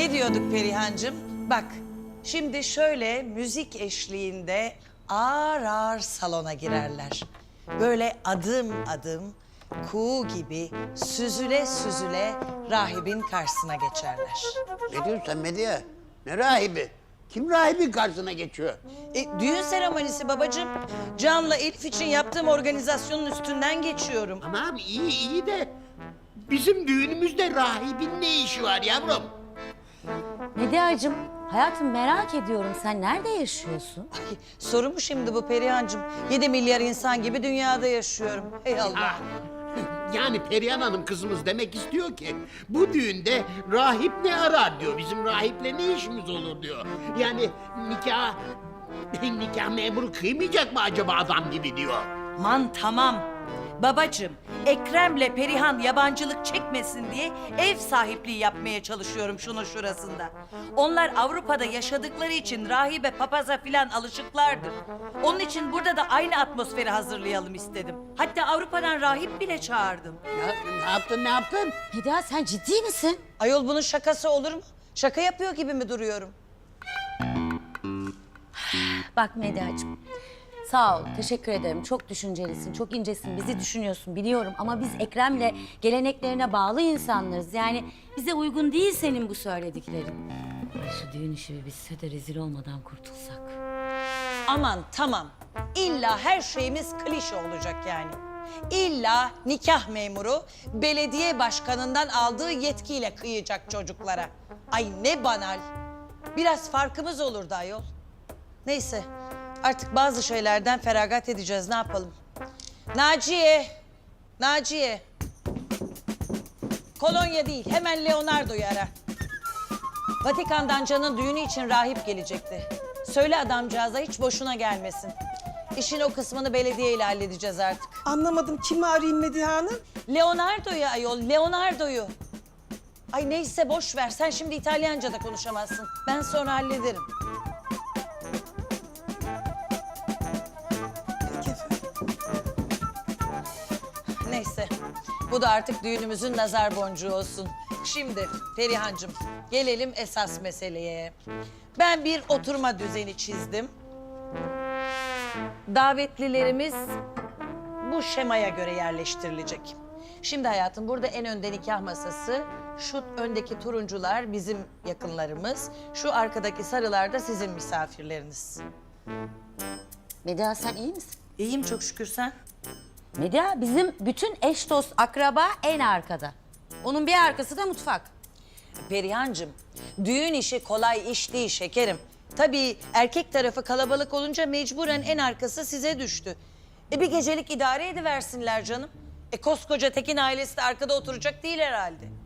Ne diyorduk Perihancığım? Bak, şimdi şöyle müzik eşliğinde ağır ağır salona girerler. Böyle adım adım, kuğu gibi süzüle süzüle rahibin karşısına geçerler. Ne diyorsun sen Medya? Ne rahibi? Kim rahibin karşısına geçiyor? Düğün seremonisi babacığım. Can'la Elif için yaptığım organizasyonun üstünden geçiyorum. Ama abi iyi de bizim düğünümüzde rahibin ne işi var yavrum? Medyacığım, hayatım merak ediyorum. Sen nerede yaşıyorsun? Ay, soru mu şimdi bu Perihancığım? 7 milyar insan gibi dünyada yaşıyorum. Ey Allah. Ah, yani Perihan Hanım kızımız demek istiyor ki bu düğünde rahip ne arar diyor. Bizim rahiple ne işimiz olur diyor. Yani nikah memuru kıymayacak mı acaba adam gibi diyor. Aman tamam. Babacığım, Ekrem'le Perihan yabancılık çekmesin diye ev sahipliği yapmaya çalışıyorum şunun şurasında. Onlar Avrupa'da yaşadıkları için rahibe papaza filan alışıklardır. Onun için burada da aynı atmosferi hazırlayalım istedim. Hatta Avrupa'dan rahip bile çağırdım. Ne yaptın? Medya sen ciddi misin? Ayol bunun şakası olur mu? Şaka yapıyor gibi mi duruyorum? Bak Medyacığım, sağ ol, teşekkür ederim. Çok düşüncelisin, çok incesin, bizi düşünüyorsun biliyorum. Ama biz Ekrem'le geleneklerine bağlı insanlarız. Yani bize uygun değil senin bu söylediklerin. Ay şu düğün işi bir bitse de rezil olmadan kurtulsak. Aman tamam. İlla her şeyimiz klişe olacak yani. İlla nikah memuru belediye başkanından aldığı yetkiyle kıyacak çocuklara. Ay ne banal. Biraz farkımız olurdu ayol. Neyse artık bazı şeylerden feragat edeceğiz, ne yapalım? Naciye. Kolonya değil, hemen Leonardo'yu ara. Vatikan'dan Can'ın düğünü için rahip gelecekti. Söyle adamcağıza hiç boşuna gelmesin. İşin o kısmını belediyeyle halledeceğiz artık. Anlamadım, kimi arayayım Medihe Hanım? Leonardo'yu ayol, Leonardo'yu. Ay neyse boş ver, sen şimdi İtalyanca da konuşamazsın. Ben sonra hallederim. Peki efendim. Neyse, bu da artık düğünümüzün nazar boncuğu olsun. Şimdi Perihancığım, gelelim esas meseleye. Ben bir oturma düzeni çizdim. Davetlilerimiz bu şemaya göre yerleştirilecek. Şimdi hayatım, burada en önde nikah masası, şu öndeki turuncular bizim yakınlarımız, şu arkadaki sarılar da sizin misafirleriniz. Medya sen iyi misin? İyiyim çok şükür, sen? Medya bizim bütün eş dost akraba en arkada. Onun bir arkası da mutfak. Perihancığım, düğün işi kolay iş değil şekerim. Tabii erkek tarafı kalabalık olunca mecburen en arkası size düştü. Bir gecelik idare ediversinler canım. Koskoca Tekin ailesi de arkada oturacak değil herhalde.